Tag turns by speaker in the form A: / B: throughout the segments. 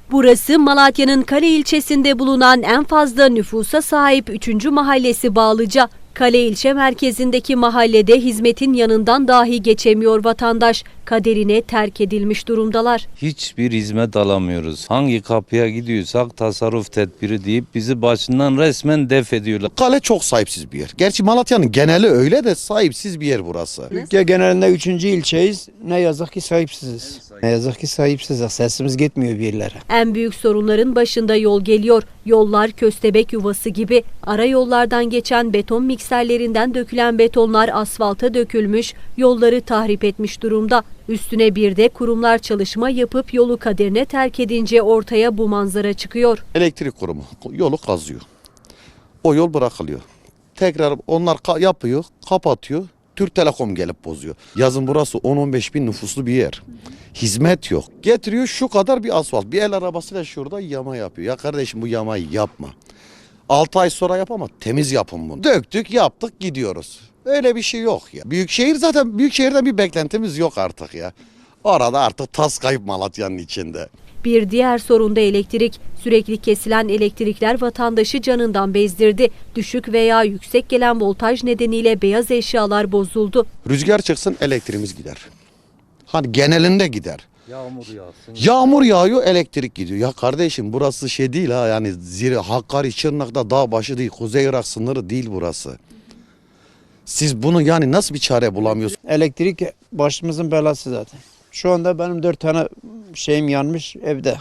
A: Burası Malatya'nın Kale ilçesinde bulunan en fazla nüfusa sahip 3. mahallesi Bağlıca. Kale ilçe merkezindeki mahallede hizmetin yanından dahi geçemiyor vatandaş. Kaderine terk edilmiş durumdalar.
B: Hiçbir hizmet alamıyoruz. Hangi kapıya gidiyorsak tasarruf tedbiri deyip bizi başından resmen def ediyorlar.
C: Kale çok sahipsiz bir yer. Gerçi Malatya'nın geneli öyle de sahipsiz bir yer burası.
D: Türkiye genelinde 3. ilçeyiz. Ne yazık ki sahipsiziz. Ne yazık ki sahipsiziz. Sesimiz gitmiyor bir yerlere.
A: En büyük sorunların başında yol geliyor. Yollar köstebek yuvası gibi. Ara yollardan geçen beton mikserlerinden dökülen betonlar asfalta dökülmüş, yolları tahrip etmiş durumda. Üstüne bir de kurumlar çalışma yapıp yolu kaderine terk edince ortaya bu manzara çıkıyor.
C: Elektrik kurumu yolu kazıyor. O yol bırakılıyor. Tekrar onlar yapıyor, kapatıyor. Türk Telekom gelip bozuyor. Yazın burası 10-15 bin nüfuslu bir yer. Hizmet yok. Getiriyor şu kadar bir asfalt. Bir el arabasıyla şurada yama yapıyor. Ya kardeşim bu yamayı yapma. 6 ay sonra yap ama temiz yapın bunu. Döktük, yaptık, gidiyoruz. Öyle bir şey yok ya. Büyükşehir zaten büyükşehirden bir beklentimiz yok artık ya. Orada artık tas kayıp Malatya'nın içinde.
A: Bir diğer sorun da elektrik. Sürekli kesilen elektrikler vatandaşı canından bezdirdi. Düşük veya yüksek gelen voltaj nedeniyle beyaz eşyalar bozuldu.
C: Rüzgar çıksın elektriğimiz gider. Hani genelinde gider.
B: Yağmur yağsın.
C: Yağmur yağıyor elektrik gidiyor. Ya kardeşim burası şey değil ha, yani Hakkari, Şırnak'ta dağ başı değil, Kuzey Irak sınırı değil burası. Siz bunu yani nasıl bir çare bulamıyorsunuz?
D: Elektrik başımızın belası zaten. Şu anda benim 4 tane şeyim yanmış evde.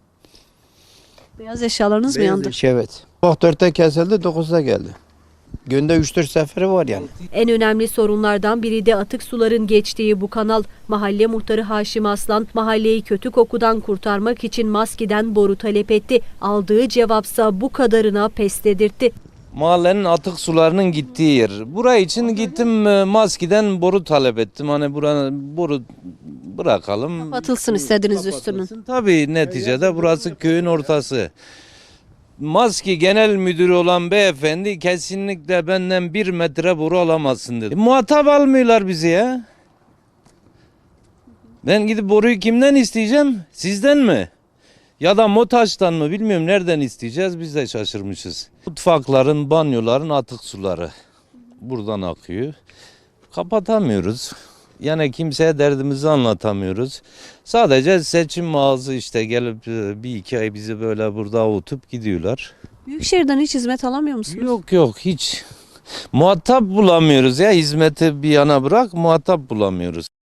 A: Beyaz eşyalarınız mı yandı?
D: Evet. Bak 4'te kesildi 9'da geldi. Günde 3-4 seferi var yani.
A: En önemli sorunlardan biri de atık suların geçtiği bu kanal. Mahalle muhtarı Haşim Aslan mahalleyi kötü kokudan kurtarmak için maskeden boru talep etti. Aldığı cevapsa bu kadarına pes dedirtti.
B: Mahallenin atık sularının gittiği yer. Buraya için gittim maskeden boru talep ettim. Hani buranın boru bırakalım.
A: Kapatılsın istediniz üstünün.
B: Tabii neticede burası köyün ortası. Maski Genel Müdürü olan beyefendi kesinlikle benden 1 metre boru alamazsın dedi. Muhatap almıyorlar bizi ya. Ben gidip boruyu kimden isteyeceğim? Sizden mi? Ya da MOTAŞ'tan mı bilmiyorum, nereden isteyeceğiz, biz de şaşırmışız. Mutfakların, banyoların atık suları buradan akıyor. Kapatamıyoruz. Yani kimseye derdimizi anlatamıyoruz. Sadece seçim ağzı işte gelip 1-2 ay bizi böyle burada avutup gidiyorlar.
A: Büyükşehir'den hiç hizmet alamıyor musunuz?
B: Yok hiç. Muhatap bulamıyoruz ya, hizmeti bir yana bırak, muhatap bulamıyoruz.